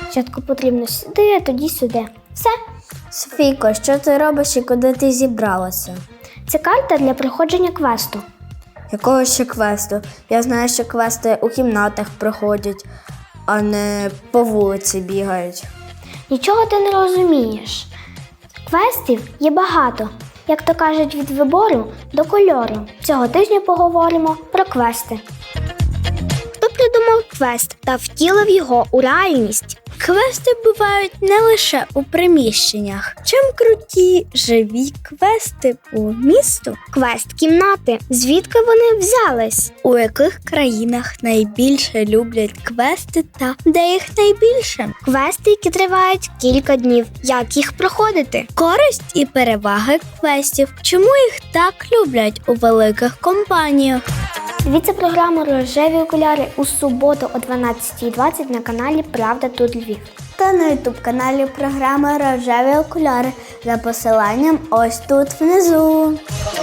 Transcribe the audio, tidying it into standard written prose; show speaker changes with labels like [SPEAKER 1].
[SPEAKER 1] Спочатку потрібно сюди, а тоді сюди. Все.
[SPEAKER 2] Софійко, що ти робиш і куди ти зібралася?
[SPEAKER 1] Це карта для проходження квесту.
[SPEAKER 2] Якого ще квесту? Я знаю, що квести у кімнатах проходять, а не по вулиці бігають.
[SPEAKER 1] Нічого ти не розумієш. Квестів є багато. Як то кажуть, від вибору до кольору. Цього тижня поговоримо про квести. Хто придумав квест та втілив його у реальність?
[SPEAKER 2] Квести бувають не лише у приміщеннях. Чим круті живі квести по місту?
[SPEAKER 1] Квест кімнати. Звідки вони взялись?
[SPEAKER 2] У яких країнах найбільше люблять квести та де їх найбільше?
[SPEAKER 1] Квести, які тривають кілька днів. Як їх проходити?
[SPEAKER 2] Користь і переваги квестів. Чому їх так люблять у великих компаніях?
[SPEAKER 1] Дивіться програму «Рожеві окуляри» у суботу о 12:20 на каналі «Правда тут Львів».
[SPEAKER 2] Та на ютуб-каналі програми «Рожеві окуляри» за посиланням ось тут внизу.